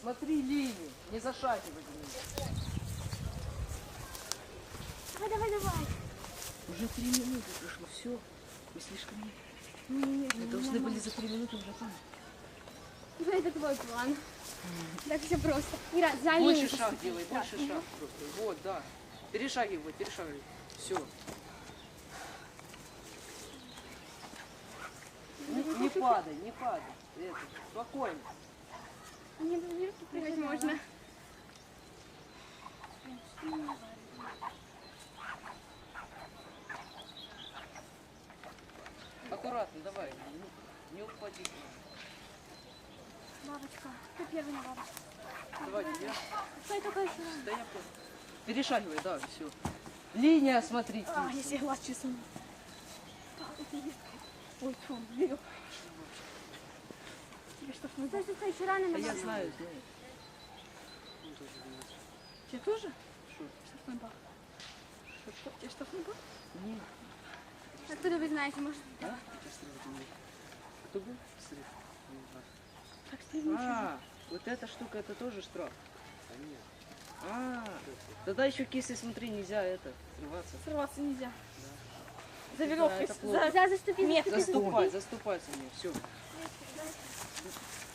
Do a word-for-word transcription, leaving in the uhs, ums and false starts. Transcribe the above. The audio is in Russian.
смотри линию, не зашагивай. Давай, давай, давай. Уже три минуты прошло, все. Мы слишком... Нет, нет, Мы должны были за три минуты уже там. Ну, это твой план. Так все просто. Ира, за Больше линию шаг поступи. делай, Да. больше шаг просто. Вот, да. Перешагивай, перешагивай. Все. Не, не падай, не падай. Это, спокойно. Мне бы в руки прыгать можно. Аккуратно, давай. Не, не упади. Бабочка. Кто первый на бабочку? Давай, я. Стой только еще. Да я понял. Перешагивай, да, все. Линия, смотрите. А, я себе глаз чесну. Ой, фу, берег. Тебе что, ну, стой, стой, стой, еще рано А на я бабочку. знаю, знаю. Тебе тоже? Что? Штрафной бал. Что? Тебе штрафной бал? Нет. Откуда вы знаете, может? А? Кто был? Как стрельничать? А, вот эта штука, это тоже штраф. А, тогда еще кисы, смотри, нельзя это, срываться. Срываться нельзя. Да. За веревкой. Это плохо. За, за заступи, Заступай, заступай за мне, все.